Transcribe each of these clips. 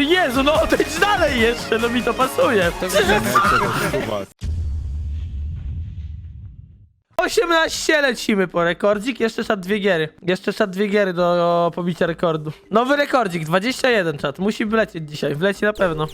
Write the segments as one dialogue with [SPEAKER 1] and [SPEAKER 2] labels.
[SPEAKER 1] Jezu, no odejdź dalej jeszcze, no mi to pasuje.
[SPEAKER 2] To widzimy.
[SPEAKER 1] 18 lecimy po rekordzik, jeszcze czat 2 giery. Jeszcze czat 2 giery do pobicia rekordu. Nowy rekordzik, 21 czat, musi wlecieć dzisiaj, wleci na pewno.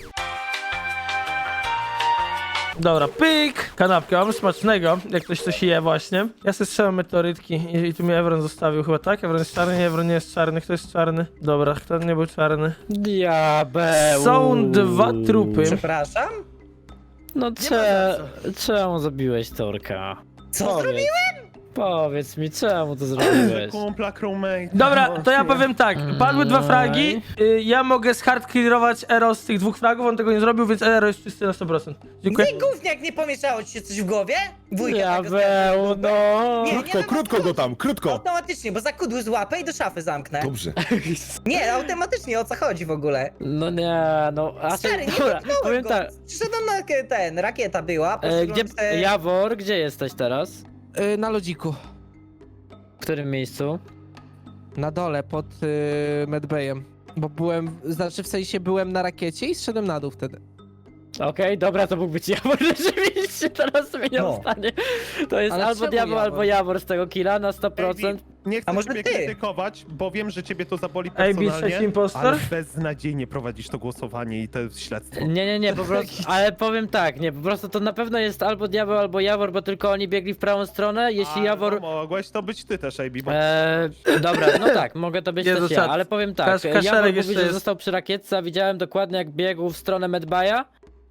[SPEAKER 1] Dobra, pyk! Kanapkę mam smacznego, jak ktoś coś je właśnie. Ja sobie strzelam meteorytki i tu mi Evron zostawił chyba, tak? Evron jest czarny? Nie, Evron nie jest czarny. Kto jest czarny? Dobra, kto nie był czarny?
[SPEAKER 3] Diabeł.
[SPEAKER 1] Są 2 trupy.
[SPEAKER 4] Przepraszam?
[SPEAKER 3] No czemu zabiłeś Torka?
[SPEAKER 4] Co zrobiłem?
[SPEAKER 3] Powiedz mi, czemu to zrobiłeś?
[SPEAKER 2] Kumpla, crewmate.
[SPEAKER 1] Dobra, to ja powiem tak, padły 2 fragi, ja mogę zhardclearować Ero z tych 2 fragów, on tego nie zrobił, więc Ero jest czysty na 100%. Dziękuję.
[SPEAKER 4] Nie gówniak, nie pomieszało ci się coś w głowie? Wujka tego
[SPEAKER 3] Diabeł, no.
[SPEAKER 4] Nie,
[SPEAKER 5] Krótko, krótko go tam, krótko!
[SPEAKER 4] Automatycznie, bo zakudły złapę i do szafy zamknę.
[SPEAKER 5] Dobrze.
[SPEAKER 4] Nie, automatycznie, o co chodzi w ogóle?
[SPEAKER 3] No nie, no. A
[SPEAKER 4] Stary, nie
[SPEAKER 3] dobra,
[SPEAKER 4] dotknąłem
[SPEAKER 3] powiem
[SPEAKER 4] go.
[SPEAKER 3] tak.
[SPEAKER 4] Przyszedłem na rakieta była,
[SPEAKER 3] Gdzie,
[SPEAKER 4] poszedłem se...
[SPEAKER 3] Jawor, gdzie jesteś teraz?
[SPEAKER 6] Na lodziku.
[SPEAKER 3] W którym miejscu?
[SPEAKER 6] Na dole, pod medbayem. Bo byłem, znaczy w sensie byłem na rakiecie i zszedłem na dół wtedy.
[SPEAKER 3] Okej, dobra, to mógł być Jawor, rzeczywiście, teraz zmieniam
[SPEAKER 4] No.
[SPEAKER 3] zdanie. To jest
[SPEAKER 6] Ale
[SPEAKER 3] albo
[SPEAKER 6] czemu
[SPEAKER 3] Diabeł,
[SPEAKER 6] Jawor?
[SPEAKER 3] albo Jawor z tego killa na 100%.
[SPEAKER 2] Nie chcę
[SPEAKER 4] A może
[SPEAKER 2] ciebie
[SPEAKER 4] ty?
[SPEAKER 2] krytykować, bo wiem, że ciebie to zaboli
[SPEAKER 1] AB
[SPEAKER 2] personalnie,
[SPEAKER 1] trzeci impostor?
[SPEAKER 2] ale beznadziejnie prowadzisz to głosowanie i to śledztwo.
[SPEAKER 3] Nie, po prostu, ale powiem tak, nie, po prostu to na pewno jest albo Diabeł, albo Jawor, bo tylko oni biegli w prawą stronę, jeśli Jawor...
[SPEAKER 2] No, mogłeś to być ty też, AB, bo...
[SPEAKER 3] Dobra, no tak, mogę to być
[SPEAKER 1] Jezu,
[SPEAKER 3] też ja,
[SPEAKER 1] czat.
[SPEAKER 3] ale powiem tak,
[SPEAKER 1] Kaszelek
[SPEAKER 3] Jawor
[SPEAKER 1] jeszcze
[SPEAKER 3] mówi, że
[SPEAKER 1] jest.
[SPEAKER 3] został przy rakietce, a widziałem dokładnie jak biegł w stronę Medbaya,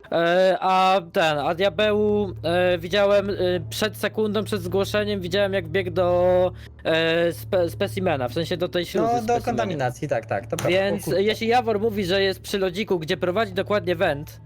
[SPEAKER 3] a Diabeł widziałem przed sekundą, przed zgłoszeniem, widziałem jak biegł do specimena, w sensie do tej śluzy
[SPEAKER 4] No, do
[SPEAKER 3] specimena.
[SPEAKER 4] kontaminacji, tak, to prawda.
[SPEAKER 3] Więc
[SPEAKER 4] O kurwa.
[SPEAKER 3] jeśli Jawor mówi, że jest przy lodziku, gdzie prowadzi dokładnie węd,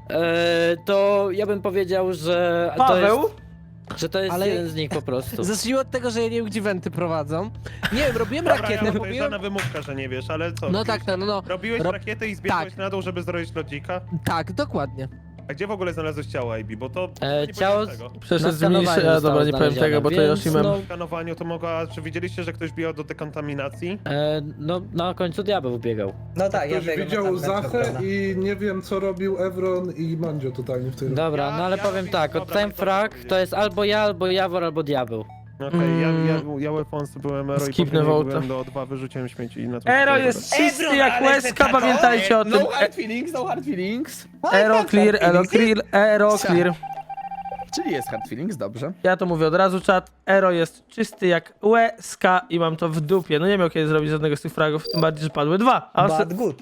[SPEAKER 3] to ja bym powiedział, że
[SPEAKER 1] Paweł?
[SPEAKER 3] to jest
[SPEAKER 6] Ale-
[SPEAKER 3] jeden z nich po prostu.
[SPEAKER 6] Zacznijmy od tego, że ja nie wiem, gdzie wenty prowadzą. Nie wiem, robiłem
[SPEAKER 2] Dobra,
[SPEAKER 6] rakietę,
[SPEAKER 2] ja to
[SPEAKER 6] robiłem...
[SPEAKER 2] jest wymówka, że nie wiesz, ale co?
[SPEAKER 6] No
[SPEAKER 2] robiłeś-
[SPEAKER 6] tak, no.
[SPEAKER 2] Robiłeś
[SPEAKER 6] Rob-
[SPEAKER 2] rakietę i zbiegłeś
[SPEAKER 6] tak.
[SPEAKER 2] na dół, żeby zrobić lodzika?
[SPEAKER 6] Tak, dokładnie.
[SPEAKER 2] A gdzie w ogóle znalazłeś ciało, AB? Bo to... nie
[SPEAKER 3] ciało-
[SPEAKER 2] powiedziałem tego.
[SPEAKER 1] Przeszedł
[SPEAKER 3] Na
[SPEAKER 1] z mniejszej,
[SPEAKER 3] skanowaniu
[SPEAKER 1] a dobra,
[SPEAKER 3] zostało
[SPEAKER 1] nie powiem tego, bo to
[SPEAKER 3] znalezione,
[SPEAKER 1] Yoshimem.
[SPEAKER 3] więc
[SPEAKER 2] W skanowaniu to mogła... Czy widzieliście, że ktoś biegał do dekontaminacji?
[SPEAKER 3] No na końcu Diabeł biegał.
[SPEAKER 4] No tak, ja
[SPEAKER 7] Ktoś
[SPEAKER 4] biegłem
[SPEAKER 7] widział
[SPEAKER 4] tam,
[SPEAKER 7] Zachę
[SPEAKER 4] prawda.
[SPEAKER 7] i nie wiem co robił Evron i Mandzio totalnie w tym.
[SPEAKER 3] Dobra,
[SPEAKER 2] Ja-
[SPEAKER 3] no ale
[SPEAKER 2] ja
[SPEAKER 3] powiem
[SPEAKER 2] robię-
[SPEAKER 3] tak, od
[SPEAKER 2] dobra,
[SPEAKER 3] time
[SPEAKER 2] to
[SPEAKER 3] frag
[SPEAKER 2] powiedzieć.
[SPEAKER 3] to jest albo ja, albo Jawor, albo Diabeł.
[SPEAKER 2] Okej, ja Weapons byłem Ero i
[SPEAKER 1] Skipnę
[SPEAKER 2] później
[SPEAKER 1] vote'a.
[SPEAKER 2] byłem do O2, wyrzuciłem śmieci i na to...
[SPEAKER 1] Ero jest czysty
[SPEAKER 4] Evron,
[SPEAKER 1] jak
[SPEAKER 4] ale
[SPEAKER 1] łezka,
[SPEAKER 4] ty tato?
[SPEAKER 1] pamiętajcie o tym.
[SPEAKER 5] No hard feelings, no hard feelings.
[SPEAKER 1] Ero clear, Ero clear, Ero clear.
[SPEAKER 5] Czyli jest hard feelings, dobrze.
[SPEAKER 1] Ja to mówię od razu, czat. Ero jest czysty jak łezka i mam to w dupie. No nie miał kiedy zrobić żadnego z tych fragów, tym bardziej, że padły 2.
[SPEAKER 4] Bad good.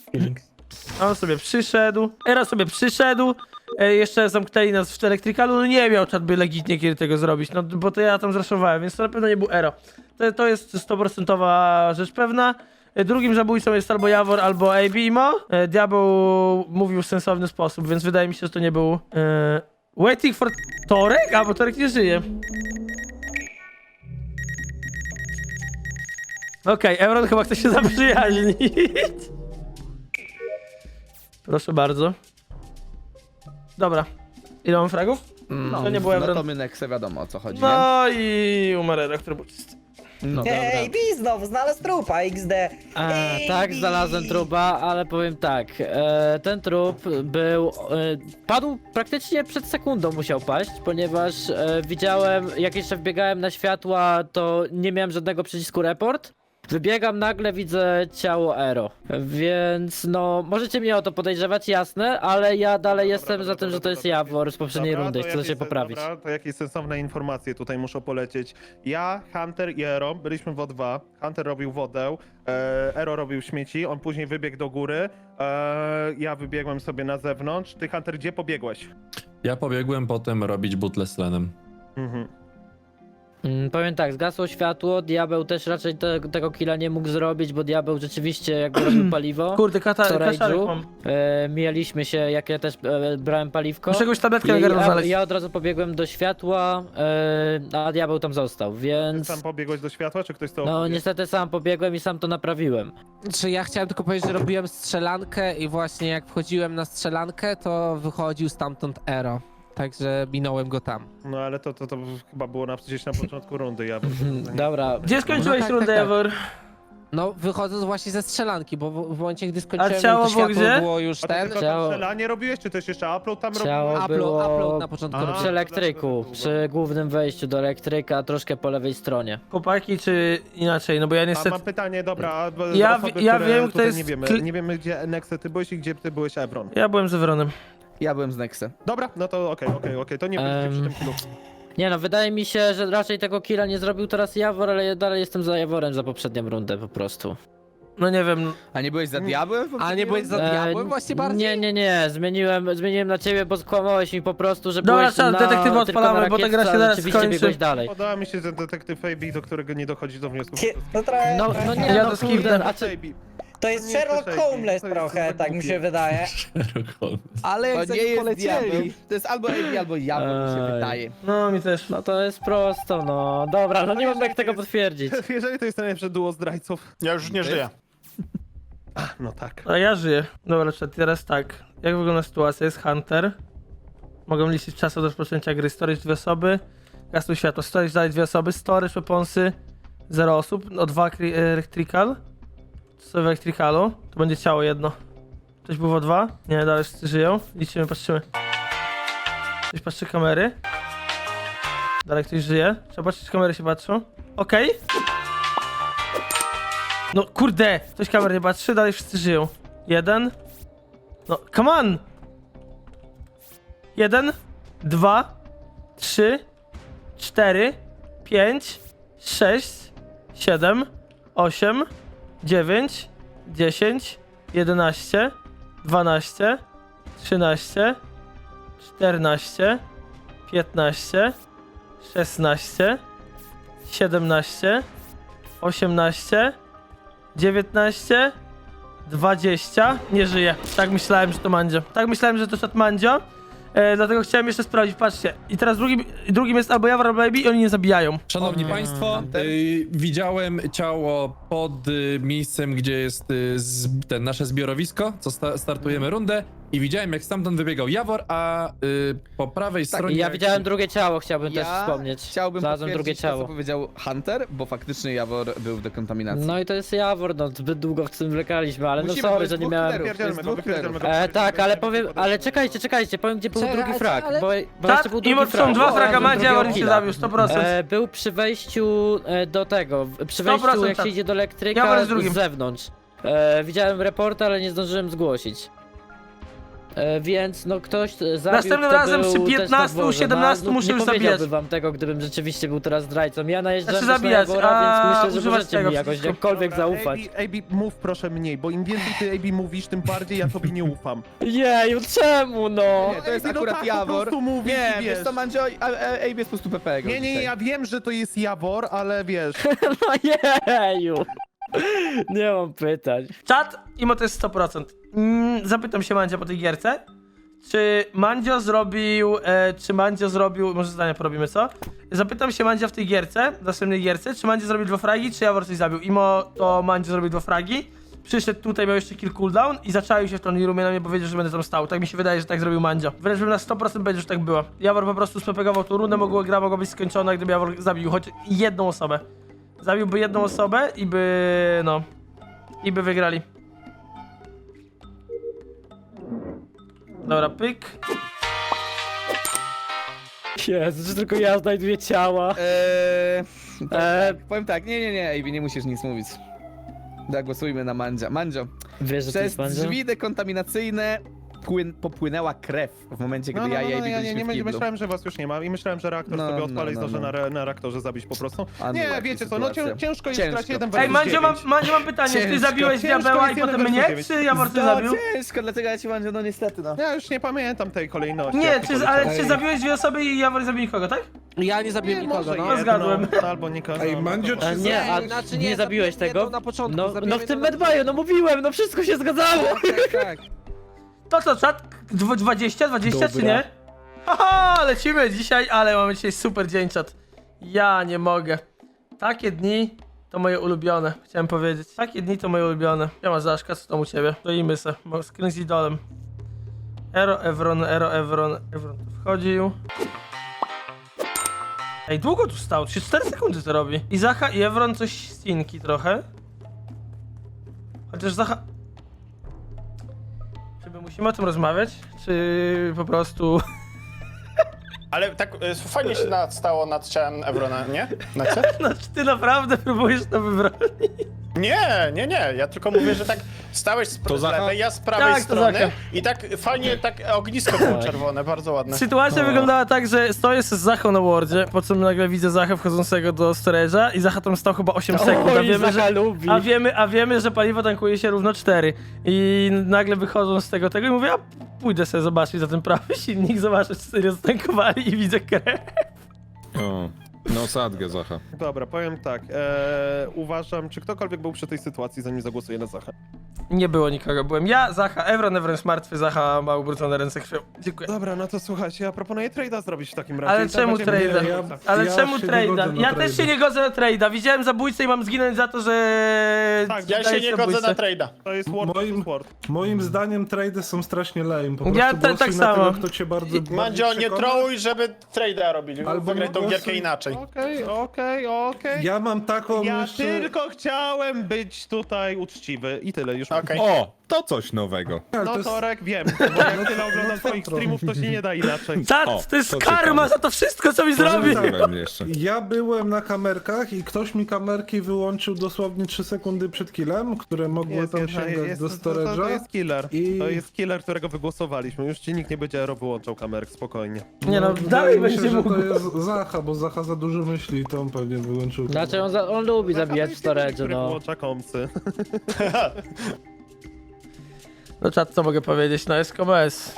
[SPEAKER 1] On sobie przyszedł, Ero sobie przyszedł, jeszcze zamknęli nas w elektrykalu, no nie miał czat by legitnie kiedy tego zrobić, no bo to ja tam zraszowałem, więc to na pewno nie był Ero. To jest 100% rzecz pewna. Drugim zabójcą jest albo Jawor, albo AB-Mo. Diabeł mówił w sensowny sposób, więc wydaje mi się, że to nie był... Waiting for Torek? A, bo Torek nie żyje. Okej, Evron chyba chce się zaprzyjaźnić. Proszę bardzo. Dobra. Ile mam fragów? To nie było
[SPEAKER 5] no
[SPEAKER 1] Evron.
[SPEAKER 5] to my Nexe wiadomo o co chodzi, nie?
[SPEAKER 1] No i umarł Ero, który był czysty.
[SPEAKER 5] No
[SPEAKER 4] Ej, Bi znowu znalazł trupa, XD. Ej,
[SPEAKER 3] Tak,
[SPEAKER 4] Bi.
[SPEAKER 3] znalazłem trupa, ale powiem tak, ten trup był, padł praktycznie przed sekundą musiał paść, ponieważ widziałem, jak jeszcze wbiegałem na światła, to nie miałem żadnego przycisku report. Wybiegam, nagle widzę ciało Ero, więc no, możecie mnie o to podejrzewać, jasne, ale ja dalej jestem za tym, że to jest Jawor z poprzedniej rundy, chcę się poprawić.
[SPEAKER 2] Dobra, to jakieś sensowne informacje tutaj muszą polecieć. Ja, Hunter i Ero byliśmy w O2. Hunter robił wodę, Ero robił śmieci, on później wybiegł do góry. Ja wybiegłem sobie na zewnątrz. Ty, Hunter, gdzie pobiegłeś?
[SPEAKER 8] Ja pobiegłem potem robić butle z tlenem.
[SPEAKER 2] Mhm.
[SPEAKER 3] Powiem tak, zgasło światło, Diabeł też raczej tego killa nie mógł zrobić, bo Diabeł rzeczywiście jakby robił paliwo.
[SPEAKER 1] Kurde,
[SPEAKER 3] w
[SPEAKER 1] kaszarek
[SPEAKER 3] storage'u.
[SPEAKER 1] mam.
[SPEAKER 3] Mijaliśmy się, jak ja też brałem paliwko.
[SPEAKER 1] Muszę jakąś tabletkę na
[SPEAKER 3] I
[SPEAKER 1] gardło
[SPEAKER 3] ja,
[SPEAKER 1] znaleźć.
[SPEAKER 3] ja od razu pobiegłem do światła, a Diabeł tam został,
[SPEAKER 2] Ty
[SPEAKER 3] więc...
[SPEAKER 2] sam pobiegłeś do światła, czy ktoś to
[SPEAKER 3] No
[SPEAKER 2] opowie?
[SPEAKER 3] niestety sam pobiegłem i sam to naprawiłem.
[SPEAKER 6] Czy ja chciałem tylko powiedzieć, że robiłem strzelankę i właśnie jak wchodziłem na strzelankę, to wychodził stamtąd Ero. Także minąłem go tam.
[SPEAKER 2] No ale to chyba było gdzieś na początku rundy, ja
[SPEAKER 3] Dobra,
[SPEAKER 1] Gdzie skończyłeś
[SPEAKER 6] No tak,
[SPEAKER 1] rundę,
[SPEAKER 6] tak, tak.
[SPEAKER 1] Jawor?
[SPEAKER 6] No, wychodząc właśnie ze strzelanki, bo w momencie, gdy skończyłem,
[SPEAKER 1] ciało
[SPEAKER 6] to
[SPEAKER 1] było
[SPEAKER 6] światło
[SPEAKER 1] gdzie?
[SPEAKER 6] było już
[SPEAKER 2] A to
[SPEAKER 6] ten.
[SPEAKER 2] tylko
[SPEAKER 3] Ciało.
[SPEAKER 2] tam strzelanie robiłeś, czy też jeszcze upload tam
[SPEAKER 3] Ciało
[SPEAKER 2] robiłeś?
[SPEAKER 3] było
[SPEAKER 6] Upload na początku
[SPEAKER 2] A.
[SPEAKER 6] robiłem.
[SPEAKER 3] przy elektryku, przy głównym wejściu do elektryka, troszkę po lewej stronie.
[SPEAKER 1] Chłopaki, czy inaczej? No bo ja
[SPEAKER 2] A
[SPEAKER 1] niestety...
[SPEAKER 2] mam pytanie, dobra, bo
[SPEAKER 1] Ja
[SPEAKER 2] osoby,
[SPEAKER 1] ja
[SPEAKER 2] które
[SPEAKER 1] wiem, kto
[SPEAKER 2] tutaj
[SPEAKER 1] jest...
[SPEAKER 2] nie wiemy gdzie Nexe ty byłeś i gdzie ty byłeś Evron.
[SPEAKER 1] Ja byłem z Evronem.
[SPEAKER 5] Ja byłem z Nexe.
[SPEAKER 2] Dobra, no to okej, to nie będziecie przy tym killu.
[SPEAKER 3] Nie no, wydaje mi się, że raczej tego killa nie zrobił teraz Jawor, ale ja dalej jestem za Jaworem za poprzednią rundę po prostu.
[SPEAKER 1] No nie wiem,
[SPEAKER 5] A nie byłeś za diabłem?
[SPEAKER 6] A nie byłeś za diabłem właśnie bardziej?
[SPEAKER 3] Nie, zmieniłem na ciebie, bo skłamałeś mi po prostu, że
[SPEAKER 1] Dobra,
[SPEAKER 3] byłeś
[SPEAKER 1] czas,
[SPEAKER 3] na,
[SPEAKER 1] detektywa
[SPEAKER 3] tylko
[SPEAKER 1] odpalamy,
[SPEAKER 3] na
[SPEAKER 1] bo ta gra się
[SPEAKER 3] rakietce, a
[SPEAKER 1] zaraz
[SPEAKER 3] rzeczywiście
[SPEAKER 1] skończy.
[SPEAKER 3] biegłeś dalej.
[SPEAKER 2] Podoba mi się ten detektyw AB, do którego nie dochodzi do wniosków.
[SPEAKER 4] No trochę...
[SPEAKER 3] No nie,
[SPEAKER 1] Ja
[SPEAKER 3] no
[SPEAKER 1] to
[SPEAKER 3] kurde,
[SPEAKER 1] skipnę.
[SPEAKER 3] a czy...
[SPEAKER 4] To jest
[SPEAKER 2] nie jest
[SPEAKER 4] Sherlock
[SPEAKER 2] też
[SPEAKER 4] Holmes
[SPEAKER 2] to jest
[SPEAKER 4] trochę,
[SPEAKER 2] super
[SPEAKER 4] tak mi się
[SPEAKER 2] głupie.
[SPEAKER 4] wydaje.
[SPEAKER 8] Sherlock Holmes.
[SPEAKER 6] Ale
[SPEAKER 5] To
[SPEAKER 6] jak
[SPEAKER 5] nie
[SPEAKER 6] nie
[SPEAKER 5] jest
[SPEAKER 6] polecieli.
[SPEAKER 5] diabeł. To jest albo AB, albo Jawor, mi się
[SPEAKER 3] Ej.
[SPEAKER 5] wydaje.
[SPEAKER 1] no mi też.
[SPEAKER 3] No to jest prosto, no. Dobra, no nie mam jak tego potwierdzić.
[SPEAKER 2] Jeżeli to jest najlepsze duo zdrajców.
[SPEAKER 9] Ja już nie żyję.
[SPEAKER 2] No tak.
[SPEAKER 1] A ja żyję. Dobra, czat, teraz tak. Jak wygląda sytuacja? Jest Hunter. Mogą liczyć czas od rozpoczęcia gry. Storage 2 osoby. Gasuj światło. Storage dalej 2 osoby. Storage, weaponsy 0 osób. O 2 electrical. Co sobie w electricalu? To będzie ciało jedno. Ktoś był o 2? Nie, dalej wszyscy żyją. Liczymy, patrzymy. Ktoś patrzy kamery. Dalej ktoś żyje. Trzeba patrzeć, czy kamery się patrzą. Okej. No kurde! Ktoś kamer nie patrzy, dalej wszyscy żyją. 1. No, come on! 1, 2, 3, 4, 5, 6, 7, 8, 9, 10, 11, 12, 13, 14, 15, 16, 17, 18, 19, 20, nie żyje. Tak myślałem, że to Mandzio. Tak myślałem, że to szat Mandzio. Dlatego chciałem jeszcze sprawdzić, patrzcie. I teraz drugim jest albo Jawor, albo Baby i oni nie zabijają.
[SPEAKER 8] Szanowni Państwo, widziałem ciało pod miejscem, gdzie jest ten nasze zbiorowisko, co startujemy rundę i widziałem, jak stamtąd wybiegał Jawor, a po prawej stronie...
[SPEAKER 3] Ja
[SPEAKER 8] jak
[SPEAKER 3] widziałem drugie ciało, chciałbym też
[SPEAKER 5] Ja
[SPEAKER 3] wspomnieć.
[SPEAKER 5] chciałbym
[SPEAKER 3] Znalazłem drugie
[SPEAKER 5] potwierdzić to, co
[SPEAKER 3] ciało.
[SPEAKER 5] powiedział Hunter, bo faktycznie Jawor był w dekontaminacji.
[SPEAKER 3] No i to jest Jawor, no zbyt dwóch w tym wlekaliśmy, ale
[SPEAKER 5] Musimy,
[SPEAKER 3] no
[SPEAKER 5] bo
[SPEAKER 3] sorry,
[SPEAKER 5] jest
[SPEAKER 3] że nie
[SPEAKER 5] dwóch
[SPEAKER 3] miałem...
[SPEAKER 5] killerów.
[SPEAKER 2] Wypierdzielmy go,
[SPEAKER 5] dwóch
[SPEAKER 2] wypierdzielmy go.
[SPEAKER 5] killerów.
[SPEAKER 3] Tak, ale powiem, ale czekajcie, powiem gdzie był
[SPEAKER 6] Czekaj,
[SPEAKER 3] drugi frag,
[SPEAKER 6] ale-
[SPEAKER 3] bo
[SPEAKER 1] Tak,
[SPEAKER 3] jeszcze był drugi
[SPEAKER 1] mimo że są dwa fraga Mandzia, Jawor się zabił, 100%.
[SPEAKER 3] Był przy wejściu do tego, przy
[SPEAKER 1] 100%
[SPEAKER 3] wejściu jak
[SPEAKER 1] tak.
[SPEAKER 3] się idzie do
[SPEAKER 1] Jawor
[SPEAKER 3] elektryka
[SPEAKER 1] jest drugim.
[SPEAKER 3] z zewnątrz. Widziałem reporta, ale nie zdążyłem zgłosić. Więc no ktoś zabił,
[SPEAKER 1] Następnym
[SPEAKER 3] kto
[SPEAKER 1] razem
[SPEAKER 3] był
[SPEAKER 1] przy
[SPEAKER 3] też na
[SPEAKER 1] 15,
[SPEAKER 3] dworze.
[SPEAKER 1] 17
[SPEAKER 3] no,
[SPEAKER 1] muszę
[SPEAKER 3] nie
[SPEAKER 1] już
[SPEAKER 3] powiedziałbym
[SPEAKER 1] zabijać.
[SPEAKER 3] wam tego, gdybym rzeczywiście był teraz zdrajcą. Ja najeżdżam
[SPEAKER 1] Znaczy
[SPEAKER 3] też na
[SPEAKER 1] zabijać,
[SPEAKER 3] Jawora,
[SPEAKER 1] a
[SPEAKER 3] więc myślę, że
[SPEAKER 1] używać
[SPEAKER 3] możecie
[SPEAKER 1] tego
[SPEAKER 3] mi jakoś
[SPEAKER 1] wszystko.
[SPEAKER 3] jakkolwiek zaufać.
[SPEAKER 2] AB, mów proszę mniej, bo im więcej ty AB mówisz, tym bardziej ja tobie nie ufam.
[SPEAKER 3] Jeju, czemu no?
[SPEAKER 5] Nie, to jest
[SPEAKER 2] AB, no
[SPEAKER 5] akurat
[SPEAKER 2] tak, po
[SPEAKER 5] Jawor.
[SPEAKER 2] prostu mówisz
[SPEAKER 5] Nie,
[SPEAKER 2] i
[SPEAKER 5] wiesz
[SPEAKER 2] wiesz.
[SPEAKER 5] co, Mandzio, AB jest po prostu PP.
[SPEAKER 2] Nie, ja wiem, że to jest Jawor, ale wiesz.
[SPEAKER 3] No jeju. Nie mam pytań.
[SPEAKER 1] Czat, imo to jest 100%. Zapytam się Mandzia po tej gierce. Czy Mandzio zrobił, może zdania porobimy, co? Zapytam się Mandzia w tej gierce, w następnej gierce, czy Mandzio zrobił 2 fragi, czy Jawor coś zabił. Imo to Mandzio zrobił 2 fragi, przyszedł tutaj, miał jeszcze kill cooldown i zaczaił się w tą roomie na mnie powiedział, że będę tam stał. Tak mi się wydaje, że tak zrobił Mandzio. Wręcz bym na 100% będzie, że tak było. Jawor po prostu spepegował tą rundę, gra mogła być skończona, gdyby Jawor zabił choć jedną osobę. Zabiłby jedną osobę i by wygrali. Dobra, pyk.
[SPEAKER 3] Jezu, że tylko ja znajduję ciała.
[SPEAKER 5] Powiem tak, nie, AB, nie musisz nic mówić. Zagłosujmy na Mandzia. Mandzio,
[SPEAKER 3] Wiesz, że to
[SPEAKER 5] przez
[SPEAKER 3] jest Mandzio?
[SPEAKER 5] drzwi dekontaminacyjne popłynęła krew w momencie, gdy ja i AB
[SPEAKER 2] ja
[SPEAKER 5] byliśmy w kiblu.
[SPEAKER 2] myślałem, że was już nie ma i myślałem, że reaktor
[SPEAKER 5] No,
[SPEAKER 2] sobie odpala i
[SPEAKER 5] no,
[SPEAKER 2] zdąży
[SPEAKER 5] no.
[SPEAKER 2] na reaktorze zabić po prostu. Nie,
[SPEAKER 5] Unlucky
[SPEAKER 2] wiecie co, no
[SPEAKER 5] sytuacja.
[SPEAKER 2] ciężko jest
[SPEAKER 5] Ciężko.
[SPEAKER 2] grać 1
[SPEAKER 1] Ej,
[SPEAKER 2] versus
[SPEAKER 1] Mandzio, mam pytanie, czy ty
[SPEAKER 5] Ciężko,
[SPEAKER 1] zabiłeś
[SPEAKER 2] ciężko
[SPEAKER 1] diabeła i
[SPEAKER 2] jest
[SPEAKER 1] potem
[SPEAKER 2] jeden
[SPEAKER 1] mnie,
[SPEAKER 2] versus
[SPEAKER 1] czy Jawor ty
[SPEAKER 5] No
[SPEAKER 1] zabił?
[SPEAKER 5] ciężko, dlatego ja ci Mandzio, no niestety, no.
[SPEAKER 2] Ja już nie pamiętam tej kolejności.
[SPEAKER 1] Nie,
[SPEAKER 2] jak to
[SPEAKER 1] ale
[SPEAKER 2] poleciało.
[SPEAKER 1] czy zabiłeś 2 osoby i Jawor zabił nikogo, tak?
[SPEAKER 6] Ja nie zabiłem nikogo,
[SPEAKER 2] może
[SPEAKER 6] no.
[SPEAKER 2] jedno,
[SPEAKER 1] zgadłem.
[SPEAKER 2] Albo nikogo.
[SPEAKER 7] Ej, Mandzio,
[SPEAKER 2] no.
[SPEAKER 7] czy
[SPEAKER 3] Nie, a
[SPEAKER 6] Znaczy
[SPEAKER 3] nie zabiłeś
[SPEAKER 6] zabiłem
[SPEAKER 3] tego?
[SPEAKER 6] jedną na początku,
[SPEAKER 3] No
[SPEAKER 6] zabiłem
[SPEAKER 3] w tym
[SPEAKER 6] jedną na
[SPEAKER 3] medbayu, no mówiłem, no wszystko się zgadzało.
[SPEAKER 6] Tak.
[SPEAKER 1] To co, czat? 20 czy
[SPEAKER 3] Dobra.
[SPEAKER 1] nie? Haha, lecimy dzisiaj, ale mamy dzisiaj super dzień, czat. Ja nie mogę. Takie dni to moje ulubione, chciałem powiedzieć. Takie dni to moje ulubione. Ja ma Zaszka, co tam u ciebie? Stoimy se, bo screen z idolem. Evron tu wchodził. Ej, długo tu stał, 3-4 sekundy to robi. I Zacha i Evron coś stinki trochę. Chociaż Zacha... Czy my musimy o tym rozmawiać? Czy po prostu...
[SPEAKER 9] Ale tak fajnie się stało nad ciałem Evrona, nie? Na co?
[SPEAKER 1] No czy ty naprawdę próbujesz to wybronić?
[SPEAKER 9] Nie, ja tylko mówię, że tak stałeś z lewej, ja z prawej
[SPEAKER 1] Tak, to
[SPEAKER 9] strony
[SPEAKER 1] Zacha.
[SPEAKER 9] i tak fajnie, tak ognisko było czerwone, bardzo ładne.
[SPEAKER 1] Sytuacja wyglądała tak, że stoję z Zachą na wardzie, po czym nagle widzę Zachę wchodzącego do storage'a i Zacha tam stał chyba 8 sekund, a
[SPEAKER 3] Oj,
[SPEAKER 1] wiemy,
[SPEAKER 3] Zacha
[SPEAKER 1] że...
[SPEAKER 3] lubi.
[SPEAKER 1] A wiemy, że paliwo tankuje się równo 4. I nagle wychodzą z tego i mówię, a pójdę sobie zobaczyć za ten prawy silnik, zobaczę, czy serio zatankowali i widzę krew.
[SPEAKER 10] O, no sadgę Zacha.
[SPEAKER 2] Dobra, powiem tak. Uważam, czy ktokolwiek był przy tej sytuacji, zanim zagłosuje na Zachę.
[SPEAKER 1] Nie było nikogo, byłem ja, Zacha, Evron jest martwy, Zacha ma ubrudzone ręce krwią. Dziękuję.
[SPEAKER 2] Dobra, no to słuchajcie, ja proponuję trade'a zrobić w takim razie.
[SPEAKER 1] Ale
[SPEAKER 2] I tak
[SPEAKER 1] czemu
[SPEAKER 2] będziemy
[SPEAKER 1] trade'a?
[SPEAKER 2] mieli-
[SPEAKER 1] Ale
[SPEAKER 7] ja
[SPEAKER 1] czemu
[SPEAKER 7] się nie
[SPEAKER 1] trade'a?
[SPEAKER 7] godzę na
[SPEAKER 1] Ja też
[SPEAKER 7] trade'a.
[SPEAKER 1] się nie godzę na trade'a. Widziałem zabójcę i mam zginąć za to, że...
[SPEAKER 2] Tak,
[SPEAKER 9] Ja się
[SPEAKER 1] dajesz
[SPEAKER 9] nie godzę
[SPEAKER 1] zabójcę.
[SPEAKER 9] na trade'a.
[SPEAKER 2] To jest Word
[SPEAKER 7] Moim-
[SPEAKER 2] plus Word.
[SPEAKER 7] Moim zdaniem trady są strasznie lame. Po
[SPEAKER 1] Ja
[SPEAKER 7] prostu
[SPEAKER 1] tak
[SPEAKER 7] głosuj na
[SPEAKER 1] samo.
[SPEAKER 7] tego, kto cię bardzo
[SPEAKER 9] Mandzio, nie
[SPEAKER 7] przekona.
[SPEAKER 9] trołuj, żeby trade'a robili.
[SPEAKER 7] Albo
[SPEAKER 9] Wygraj tą
[SPEAKER 7] głosuj-
[SPEAKER 9] gierkę inaczej.
[SPEAKER 2] Okej.
[SPEAKER 7] Ja mam taką
[SPEAKER 2] Ja
[SPEAKER 7] jeszcze...
[SPEAKER 2] tylko chciałem być tutaj uczciwy i tyle już.
[SPEAKER 9] Okej.
[SPEAKER 10] O, to coś nowego.
[SPEAKER 7] Ale
[SPEAKER 2] No
[SPEAKER 7] to jest...
[SPEAKER 2] Torek, wiem, bo jak tyle oglądam twoich streamów, to się nie da inaczej.
[SPEAKER 1] Czad,
[SPEAKER 10] O,
[SPEAKER 1] to jest
[SPEAKER 10] to
[SPEAKER 1] karma
[SPEAKER 10] ciekawe.
[SPEAKER 1] za to wszystko, co mi zrobi!
[SPEAKER 10] Zrobiłem jeszcze.
[SPEAKER 7] Ja byłem na kamerkach i ktoś mi kamerki wyłączył dosłownie 3 sekundy przed killem, które mogły tam sięgać do
[SPEAKER 2] to
[SPEAKER 7] storage'a.
[SPEAKER 2] jest killer.
[SPEAKER 7] I-
[SPEAKER 2] To jest killer, którego wygłosowaliśmy. Już ci nikt nie będzie wyłączał kamerek, spokojnie.
[SPEAKER 1] Nie no,
[SPEAKER 7] wydaje
[SPEAKER 1] dalej
[SPEAKER 7] mi się,
[SPEAKER 1] będzie
[SPEAKER 7] że
[SPEAKER 1] mógł.
[SPEAKER 7] to jest Zacha, bo Zacha za dużo myśli i to on pewnie wyłączył.
[SPEAKER 3] Znaczy on lubi zabijać w storage'u,
[SPEAKER 2] Który
[SPEAKER 3] no.
[SPEAKER 2] wyłącza komsy.
[SPEAKER 1] No czad, co mogę powiedzieć? No jest KBS.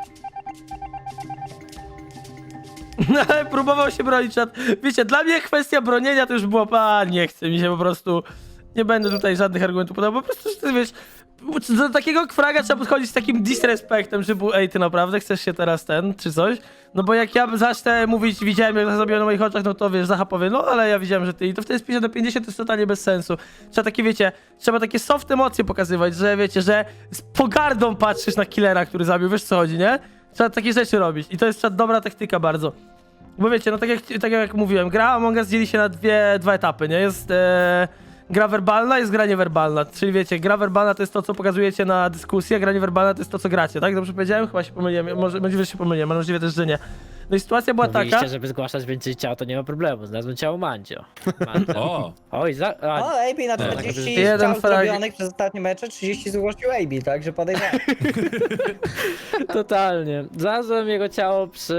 [SPEAKER 1] No ale próbował się bronić, czad. Wiecie, dla mnie kwestia bronienia to już było, nie chce mi się po prostu... Nie będę tutaj żadnych argumentów podawał, po prostu, że ty wiesz... Do takiego fraga trzeba podchodzić z takim disrespektem, że był, ej, ty naprawdę chcesz się teraz czy coś? No bo jak ja zacznę mówić, widziałem jak to zrobiłem na moich oczach, no to wiesz, Zacha powie, no ale ja widziałem, że ty, i to wtedy z 50 do 50 to jest totalnie bez sensu. Trzeba takie, wiecie, trzeba takie soft emocje pokazywać, że wiecie, że z pogardą patrzysz na killera, który zabił, wiesz co chodzi, nie? Trzeba takie rzeczy robić i to jest dobra taktyka bardzo. Bo wiecie, no tak jak mówiłem, gra Among Us dzieli się na dwa etapy, nie? Jest gra werbalna, jest gra niewerbalna. Czyli wiecie, gra werbalna to jest to, co pokazujecie na dyskusji, a gra niewerbalna to jest to, co gracie, tak? Dobrze powiedziałem? Chyba się pomyliłem, możliwe, że się pomyliłem, mam nadzieję też, że nie. No i sytuacja była
[SPEAKER 3] Mówiliście,
[SPEAKER 1] taka...
[SPEAKER 3] żeby zgłaszać więcej ciał, to nie ma problemu. Znalazłem ciało Mandzio. Mandzio.
[SPEAKER 8] O,
[SPEAKER 3] Oj,
[SPEAKER 4] O, AB na 40
[SPEAKER 1] Jeden
[SPEAKER 4] strzał
[SPEAKER 1] frag.
[SPEAKER 4] zrobionych przez ostatnie mecze, 30 zgłosił AB, także podejrzewam.
[SPEAKER 3] totalnie. Znalazłem jego ciało przy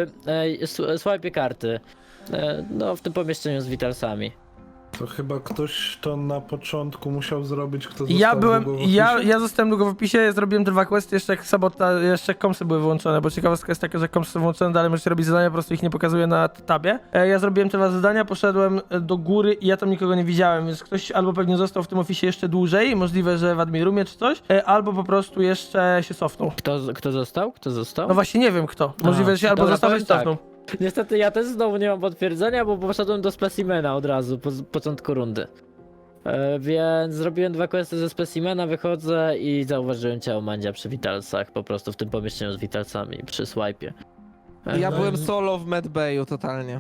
[SPEAKER 3] swipe karty. No, w tym pomieszczeniu z Witalsami.
[SPEAKER 7] To chyba ktoś to na początku musiał zrobić, kto
[SPEAKER 1] Ja
[SPEAKER 7] został
[SPEAKER 1] byłem,
[SPEAKER 7] długo w opisie.
[SPEAKER 1] ja zostałem długo w opisie, zrobiłem 2 questy, jeszcze jak komsy były wyłączone, bo ciekawostka jest taka, że komsy są włączone, dalej możecie robić zadania, po prostu ich nie pokazuję na tabie. Ja zrobiłem te 2 zadania, poszedłem do góry i ja tam nikogo nie widziałem, więc ktoś albo pewnie został w tym ofisie jeszcze dłużej, możliwe, że w admin roomie czy coś, albo po prostu jeszcze się cofnął.
[SPEAKER 3] Kto został? Kto został?
[SPEAKER 1] No właśnie nie wiem kto, możliwe, że się albo
[SPEAKER 3] dobra,
[SPEAKER 1] został, albo się
[SPEAKER 3] powiem
[SPEAKER 1] cofnął.
[SPEAKER 3] Niestety ja też znowu nie mam potwierdzenia, bo poszedłem do specimena od razu, po początku rundy. Więc zrobiłem 2 questy ze specimena, wychodzę i zauważyłem ciało Mandzia przy Witalsach, po prostu w tym pomieszczeniu z Witalsami, przy swipe'ie.
[SPEAKER 6] Ja byłem solo w medbayu totalnie.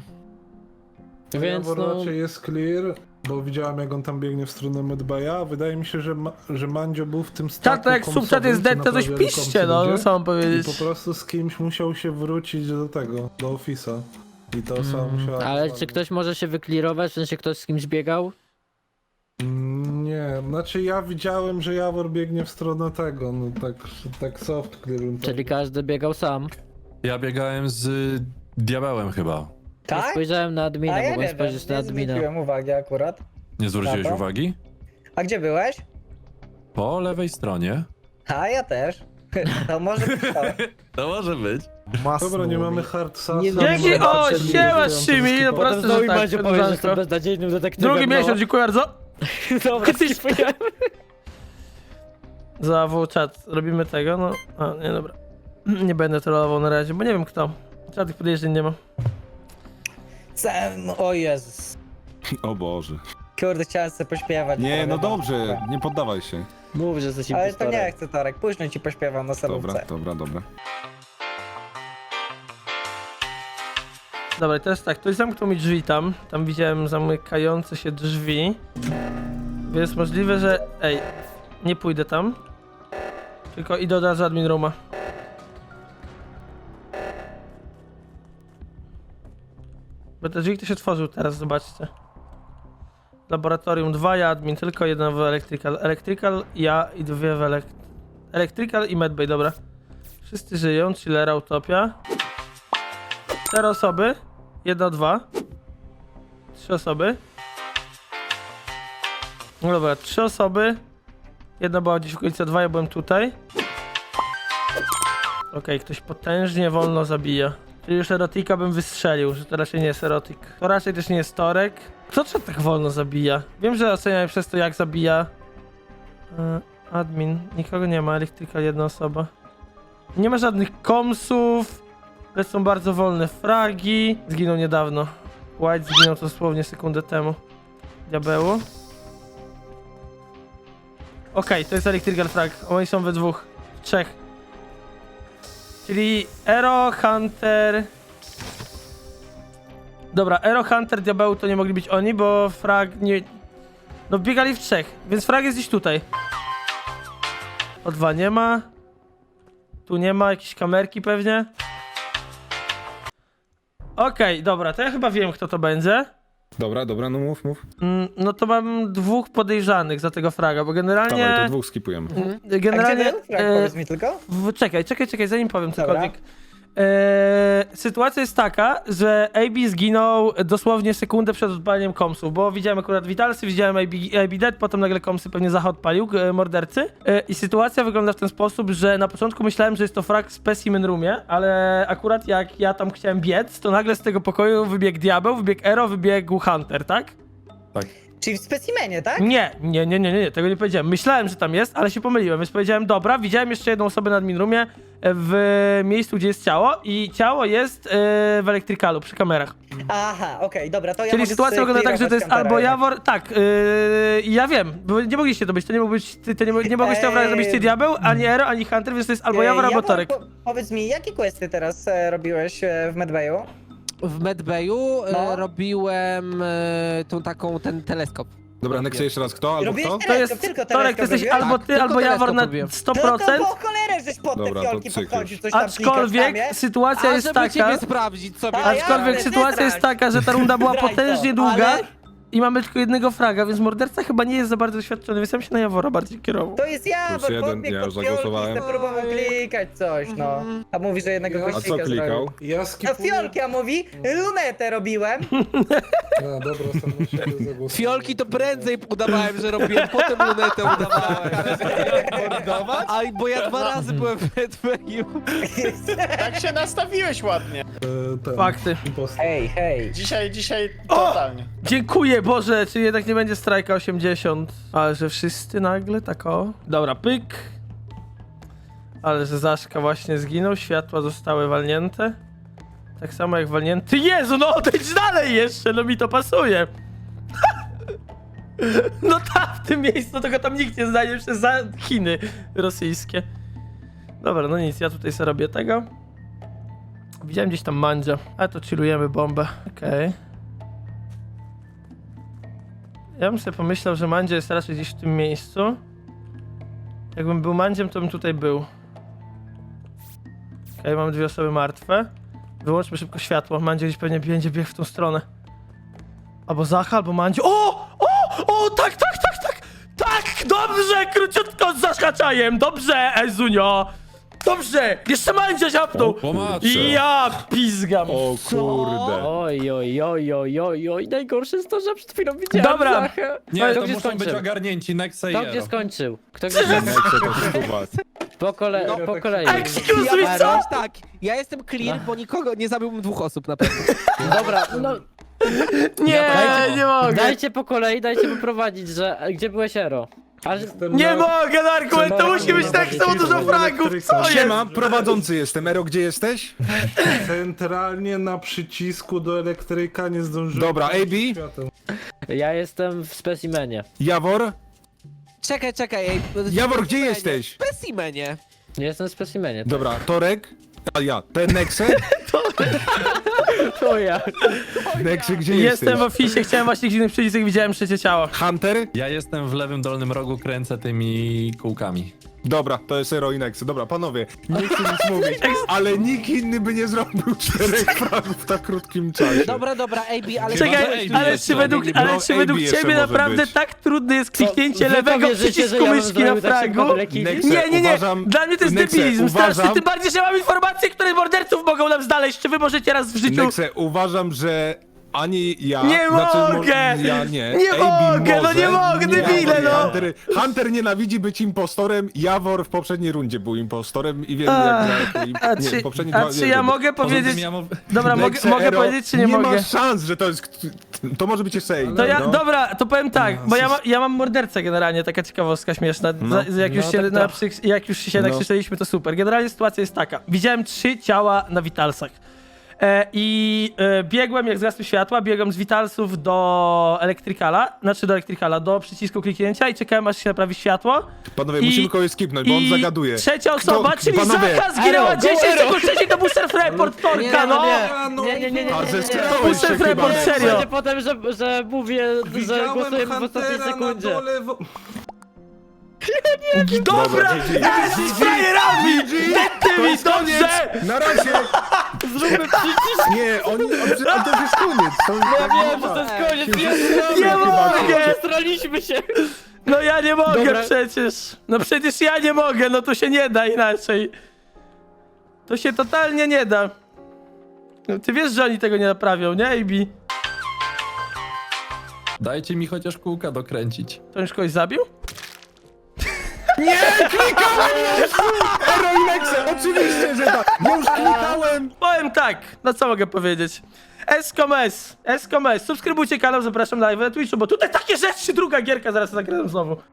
[SPEAKER 3] Więc
[SPEAKER 7] Jawor
[SPEAKER 3] no,
[SPEAKER 7] raczej jest clear, bo widziałem jak on tam biegnie w stronę Medbaya. Wydaje mi się, że Mandzio był w tym staku
[SPEAKER 1] Czat, jak subchat
[SPEAKER 7] komsowym,
[SPEAKER 1] jest
[SPEAKER 7] co
[SPEAKER 1] dead, to coś
[SPEAKER 7] naprawiali
[SPEAKER 1] piszcie,
[SPEAKER 7] komsy
[SPEAKER 1] no
[SPEAKER 7] ludzie.
[SPEAKER 1] co mam
[SPEAKER 7] I
[SPEAKER 1] powiedzieć.
[SPEAKER 7] po prostu z kimś musiał się wrócić do tego, do ofisa. I to osoba musiała...
[SPEAKER 3] ale czy ktoś może się wyklirować, w sensie ktoś z kimś biegał?
[SPEAKER 7] Nie, znaczy ja widziałem, że Jawor biegnie w stronę tego, no tak soft clear.
[SPEAKER 3] Czyli każdy biegał sam.
[SPEAKER 8] ja biegałem z diabełem chyba.
[SPEAKER 3] Ja
[SPEAKER 4] Tak?
[SPEAKER 3] spojrzałem na admina,
[SPEAKER 4] A ja
[SPEAKER 3] mogłem
[SPEAKER 4] nie wiem,
[SPEAKER 3] spojrzeć na
[SPEAKER 4] nie
[SPEAKER 3] admina.
[SPEAKER 4] zwróciłem uwagi akurat.
[SPEAKER 8] Nie zwróciłeś
[SPEAKER 4] Dobra.
[SPEAKER 8] uwagi?
[SPEAKER 4] A gdzie byłeś?
[SPEAKER 8] Po lewej stronie.
[SPEAKER 4] A ja też. To może być to.
[SPEAKER 8] To może być.
[SPEAKER 7] Dobra, nie mamy hard sasa.
[SPEAKER 1] Dzięki, o, siema Szymi, no
[SPEAKER 3] Potem
[SPEAKER 1] proste,
[SPEAKER 3] znowu
[SPEAKER 1] że tak,
[SPEAKER 3] Mandzio powie, że jestem
[SPEAKER 1] koleżanko.
[SPEAKER 3] beznadziejnym detektywem.
[SPEAKER 1] Drugi
[SPEAKER 3] no.
[SPEAKER 1] miesiąc, dziękuję bardzo.
[SPEAKER 3] Dobra, skipujemy.
[SPEAKER 1] Za czat robimy tego, no. A, nie, dobra. Nie będę trollował na razie, bo nie wiem kto. Żadnych podejrzeń nie ma.
[SPEAKER 4] O Jezus.
[SPEAKER 10] O Boże.
[SPEAKER 4] Kurde, chciałem sobie pośpiewać.
[SPEAKER 10] Nie,
[SPEAKER 4] ale
[SPEAKER 10] no
[SPEAKER 4] dobra.
[SPEAKER 10] dobrze, nie poddawaj się.
[SPEAKER 3] Mów, że jesteś
[SPEAKER 4] Ale to
[SPEAKER 3] impostorem.
[SPEAKER 4] nie chcę, Torek. Później ci pośpiewam na salówce.
[SPEAKER 10] Dobra.
[SPEAKER 1] Dobra, i teraz tak, ktoś zamknął mi drzwi tam. Tam widziałem zamykające się drzwi. Więc możliwe, że... Ej. Nie pójdę tam. Tylko idę od razu admin rooma. Bo te drzwi ktoś otworzył teraz, zobaczcie. Laboratorium 2, ja admin, tylko jeden w electrical. Electrical, ja i dwie w electrical i medbay, dobra. Wszyscy żyją, chillera, utopia. 4 osoby. 1, 2. 3 osoby. No dobra, 3 osoby. Jedna była gdzieś w okolicy 2, ja byłem tutaj. Okej, ktoś potężnie wolno zabija. Czyli już erotika bym wystrzelił, że to raczej nie jest erotik. To raczej też nie jest torek. Kto to tak wolno zabija? Wiem, że oceniam przez to, jak zabija. Admin, nikogo nie ma, elektryka, jedna osoba. Nie ma żadnych komsów. Lecą bardzo wolne fragi. Zginął niedawno. White zginął dosłownie sekundę temu. Diabełu. Okej, to jest electrical frag. Oni są we dwóch. W trzech. Czyli Ero, Hunter... Dobra, Ero, Hunter, Diabeł to nie mogli być oni, bo frag nie... No biegali w trzech, więc frag jest gdzieś tutaj. O2 nie ma. Tu nie ma, jakieś kamerki pewnie. Okej, dobra, to ja chyba wiem, kto to będzie.
[SPEAKER 10] Dobra, no mów.
[SPEAKER 1] No to mam 2 podejrzanych za tego fraga, bo generalnie...
[SPEAKER 10] Dawaj, to 2 skipujemy.
[SPEAKER 1] Generalnie...
[SPEAKER 4] A gdzie był? Frank, powiedz mi tylko.
[SPEAKER 1] Czekaj, zanim powiem
[SPEAKER 4] Dobra.
[SPEAKER 1] cokolwiek. Sytuacja jest taka, że AB zginął dosłownie sekundę przed odpaleniem komsów, bo widziałem akurat Vitalsy, widziałem AB dead, potem nagle komsy pewnie Zacha odpalił, mordercy. I sytuacja wygląda w ten sposób, że na początku myślałem, że jest to frag w specimen roomie, ale akurat jak ja tam chciałem biec, to nagle z tego pokoju wybiegł Diabeł, wybiegł Ero, wybiegł Hunter, tak?
[SPEAKER 4] Czyli w specimenie, tak?
[SPEAKER 1] Nie, tego nie powiedziałem. Myślałem, że tam jest, ale się pomyliłem, więc powiedziałem dobra, widziałem jeszcze jedną osobę na admin roomie w miejscu, gdzie jest ciało i ciało jest w elektrykalu, przy kamerach.
[SPEAKER 4] Aha, okej, dobra, to ja
[SPEAKER 1] Czyli
[SPEAKER 4] mogę
[SPEAKER 1] sytuacja wygląda tak, że to jest
[SPEAKER 4] sklirować
[SPEAKER 1] albo
[SPEAKER 4] Huntera
[SPEAKER 1] Jawor, tak, ja wiem, bo nie mogliście to być, to nie mógł być, nie mogłeś tego zrobić ty Diabeł, ani Ero, ani Hunter, więc to jest albo Jawor, albo Torek.
[SPEAKER 4] Powiedz mi, jakie questy teraz robiłeś w Medbayu?
[SPEAKER 6] W Medbayu
[SPEAKER 4] No.
[SPEAKER 6] robiłem ten teleskop.
[SPEAKER 10] Dobra, Nexe jeszcze raz, kto albo
[SPEAKER 4] Robiłeś
[SPEAKER 10] kto?
[SPEAKER 1] To jest,
[SPEAKER 4] tylko
[SPEAKER 1] Torek, to jesteś
[SPEAKER 4] robiłeś?
[SPEAKER 1] albo
[SPEAKER 6] Tak,
[SPEAKER 1] ty,
[SPEAKER 6] tylko
[SPEAKER 1] albo Jawor na
[SPEAKER 6] teleskop robiłem.
[SPEAKER 1] 100%,
[SPEAKER 4] No to po cholerę, żeś pod
[SPEAKER 10] Dobra,
[SPEAKER 4] te
[SPEAKER 10] to
[SPEAKER 4] fiolki
[SPEAKER 10] cyklisz.
[SPEAKER 4] podchodził, coś tam
[SPEAKER 1] aczkolwiek
[SPEAKER 4] klikasz tam,
[SPEAKER 1] sytuacja jest
[SPEAKER 6] żeby
[SPEAKER 1] taka,
[SPEAKER 6] ciebie sprawdzić sobie.
[SPEAKER 4] A ja-
[SPEAKER 1] aczkolwiek
[SPEAKER 4] jasne,
[SPEAKER 1] sytuacja jest
[SPEAKER 4] zdrać.
[SPEAKER 1] taka, że ta runda była
[SPEAKER 4] Zdrać to,
[SPEAKER 1] potężnie długa
[SPEAKER 4] ale-
[SPEAKER 1] i mamy tylko jednego fraga, więc morderca chyba nie jest za bardzo doświadczony, więc ja bym się na Jawora bardziej kierował.
[SPEAKER 4] To jest Jawor,
[SPEAKER 10] jeden,
[SPEAKER 4] podbiegł
[SPEAKER 10] ja
[SPEAKER 4] pod
[SPEAKER 10] już
[SPEAKER 4] fiolki,
[SPEAKER 10] zagłosowałem.
[SPEAKER 4] chce próbował klikać coś, no. A mówi, że jednego
[SPEAKER 7] Ja-
[SPEAKER 10] A
[SPEAKER 4] gościka
[SPEAKER 10] co klikał?
[SPEAKER 4] zrobił.
[SPEAKER 7] Ja
[SPEAKER 4] A
[SPEAKER 7] skipuję.
[SPEAKER 4] fiolki, a mówi, lunetę robiłem.
[SPEAKER 7] No dobra, sam na siebie zagłosuję.
[SPEAKER 6] Fiolki to prędzej udawałem, że robiłem, potem lunetę udawałem. A bo ja 2 razy byłem w Medbayu.
[SPEAKER 9] Tak się nastawiłeś ładnie.
[SPEAKER 1] Fakty.
[SPEAKER 7] Impostor.
[SPEAKER 4] Hej.
[SPEAKER 9] Dzisiaj
[SPEAKER 1] O!
[SPEAKER 9] totalnie.
[SPEAKER 1] Dziękuję, Boże, czy jednak nie będzie strajka 80? Ale że wszyscy nagle tak o. Dobra, pyk. Ale że Zaszka właśnie zginął, światła zostały walnięte. Tak samo jak walnięty. Jezu, no odejdź dalej jeszcze, no mi to pasuje. No tam, w tym miejscu, tego tam nikt nie znajdzie przez za Chiny rosyjskie. Dobra, no nic, ja tutaj sobie robię tego. Widziałem gdzieś tam Mandzia, ale to chillujemy bombę. Okej. Ja bym sobie pomyślał, że Mandzia jest raczej gdzieś w tym miejscu. Jakbym był Mandziem, to bym tutaj był. Okej, mamy 2 osoby martwe. Wyłączmy szybko światło. Mandzia gdzieś pewnie będzie biegł w tą stronę. Albo Zacha, albo Mandzio. O, tak! Tak, dobrze, króciutko z zahaczajem. Dobrze, Ezunio. Dobrze, jeszcze Mandzia ziapnął.
[SPEAKER 8] O, pomatrze.
[SPEAKER 1] Ja pizgam.
[SPEAKER 10] O kurde.
[SPEAKER 3] Oj, najgorsze jest to, że przed chwilą widziałem
[SPEAKER 1] Dobra.
[SPEAKER 3] Zachę.
[SPEAKER 8] Nie,
[SPEAKER 3] Kto
[SPEAKER 8] to
[SPEAKER 3] gdzie
[SPEAKER 8] muszą być
[SPEAKER 3] skończył?
[SPEAKER 8] ogarnięci Nexe i
[SPEAKER 3] Kto gdzie
[SPEAKER 8] Ero.
[SPEAKER 3] skończył? Kto gdzie skończył?
[SPEAKER 10] Nexe to skuwać.
[SPEAKER 3] Po kolei.
[SPEAKER 1] Excuse me, co?
[SPEAKER 6] Tak, ja jestem clear, bo nikogo nie zabiłbym 2 osób na pewno.
[SPEAKER 3] Dobra, no
[SPEAKER 1] Nie, nie mogę.
[SPEAKER 3] dajcie po kolei, dajcie poprowadzić, że gdzie byłeś Ero? Ale
[SPEAKER 1] Nie mogę, Darku, to musi być tak samo dużo fragów, co jest?
[SPEAKER 10] Siema, prowadzący jestem. Ero, gdzie jesteś?
[SPEAKER 7] Centralnie na przycisku do elektryka nie zdążyłem.
[SPEAKER 10] Dobra, AB?
[SPEAKER 7] Świateł.
[SPEAKER 3] ja jestem w specimenie.
[SPEAKER 10] Jawor?
[SPEAKER 6] Czekaj.
[SPEAKER 10] Jawor, gdzie jesteś?
[SPEAKER 6] W specimenie.
[SPEAKER 3] Nie jestem w specimenie.
[SPEAKER 10] Dobra, Torek? A ja, ten Nexe?
[SPEAKER 3] To ja.
[SPEAKER 10] Neksy, gdzie
[SPEAKER 1] Jestem
[SPEAKER 10] jesteś?
[SPEAKER 1] w oficie, chciałem właśnie kliknąć przycisk, jak widziałem trzecie ciało.
[SPEAKER 10] Hunter?
[SPEAKER 8] Ja jestem w lewym dolnym rogu, kręcę tymi kółkami.
[SPEAKER 10] Dobra, to jest Ero i Nexy. Dobra, panowie, nie chcę nic mówić, ale nikt inny by nie zrobił 4 fragów w tak krótkim czasie.
[SPEAKER 6] Dobra, AB, ale...
[SPEAKER 1] Czekaj,
[SPEAKER 8] AB
[SPEAKER 1] ale
[SPEAKER 8] jeszcze.
[SPEAKER 1] czy według
[SPEAKER 10] AB jeszcze
[SPEAKER 1] ciebie
[SPEAKER 10] może
[SPEAKER 1] naprawdę
[SPEAKER 10] być.
[SPEAKER 1] tak trudne jest kliknięcie
[SPEAKER 3] Wy to
[SPEAKER 1] lewego
[SPEAKER 3] wierzycie, że
[SPEAKER 1] przycisku
[SPEAKER 3] ja bym
[SPEAKER 1] myszki na
[SPEAKER 3] zrobił tak szybko
[SPEAKER 1] fragu?
[SPEAKER 3] tyle killi?
[SPEAKER 10] Nexe,
[SPEAKER 1] Nie.
[SPEAKER 10] uważam-
[SPEAKER 1] Dla mnie to jest
[SPEAKER 10] Nexe,
[SPEAKER 1] debilizm straszny,
[SPEAKER 10] uważam-
[SPEAKER 1] tym bardziej, że mam informacje, które morderców mogą nam znaleźć. Czy wy możecie raz w życiu...
[SPEAKER 10] Nexe, uważam, że ani ja...
[SPEAKER 1] Nie mogę!
[SPEAKER 10] Ja nie.
[SPEAKER 1] Nie
[SPEAKER 10] AB
[SPEAKER 1] mogę, no
[SPEAKER 10] może,
[SPEAKER 1] nie mogę, debile, no!
[SPEAKER 10] Hunter nienawidzi być impostorem, Jawor w poprzedniej rundzie był impostorem i wiem
[SPEAKER 1] A,
[SPEAKER 10] jak...
[SPEAKER 1] a
[SPEAKER 10] Nie,
[SPEAKER 1] czy-
[SPEAKER 10] poprzednie
[SPEAKER 1] a
[SPEAKER 10] dwa-
[SPEAKER 1] czy
[SPEAKER 10] nie,
[SPEAKER 1] ja
[SPEAKER 10] rundy.
[SPEAKER 1] mogę
[SPEAKER 8] Poza
[SPEAKER 1] powiedzieć...
[SPEAKER 8] tym ja
[SPEAKER 1] Dobra,
[SPEAKER 10] Nexe,
[SPEAKER 1] mogę
[SPEAKER 10] Ero,
[SPEAKER 1] powiedzieć, czy nie mogę?
[SPEAKER 10] Nie ma szans, że to jest... To może być jeszcze AB.
[SPEAKER 1] To ja,
[SPEAKER 10] no.
[SPEAKER 1] dobra, to powiem tak, bo ja mam mordercę generalnie, taka ciekawostka śmieszna. Jak już się nakrzyczeliśmy, to super. Generalnie sytuacja jest taka. Widziałem 3 ciała na Vitalsach. Biegłem, jak zgasły światła, biegłem z Vitalsów do Electricala, do przycisku kliknięcia i czekałem, aż się naprawi światło.
[SPEAKER 10] Panowie, musimy kogoś skipnąć, bo on zagaduje.
[SPEAKER 1] Trzecia osoba,
[SPEAKER 10] Kto-
[SPEAKER 1] czyli
[SPEAKER 10] panowie,
[SPEAKER 1] Zaka zginęła
[SPEAKER 3] Ero,
[SPEAKER 1] 10
[SPEAKER 3] go Ero.
[SPEAKER 1] sekund wcześniej, to był self-report Torka, no!
[SPEAKER 3] Nie.
[SPEAKER 10] A, ze
[SPEAKER 1] To
[SPEAKER 10] strony
[SPEAKER 1] był
[SPEAKER 10] się
[SPEAKER 1] self-report,
[SPEAKER 10] chyba-
[SPEAKER 1] serio!
[SPEAKER 3] Będzie potem, że mówię, że
[SPEAKER 7] Widziałem
[SPEAKER 3] głosujemy w ostatniej
[SPEAKER 7] Huntera na
[SPEAKER 3] sekundzie.
[SPEAKER 7] dole
[SPEAKER 1] Dobra! Z frajerami! Tymi, dobrze!
[SPEAKER 10] Na razie!
[SPEAKER 3] Zróbmy przycisk.
[SPEAKER 10] Nie, on to już jest koniec.
[SPEAKER 3] Ja wiem, że to jest koniec.
[SPEAKER 1] Nie mogę!
[SPEAKER 3] Straliśmy się.
[SPEAKER 1] No ja nie mogę
[SPEAKER 3] Dobra.
[SPEAKER 1] przecież! No przecież ja nie mogę, no to się nie da inaczej. To się totalnie nie da. No, ty wiesz, że oni tego nie naprawią, nie, AB?
[SPEAKER 8] Dajcie mi chociaż kółka dokręcić.
[SPEAKER 1] To już kogoś zabił?
[SPEAKER 10] Ero i Nexe, oczywiście, że tak. Ja już klikałem.
[SPEAKER 1] Powiem tak, no co mogę powiedzieć? Escomes, subskrybujcie kanał, zapraszam na live na Twitchu, bo tutaj takie rzeczy, druga gierka, zaraz zagram znowu.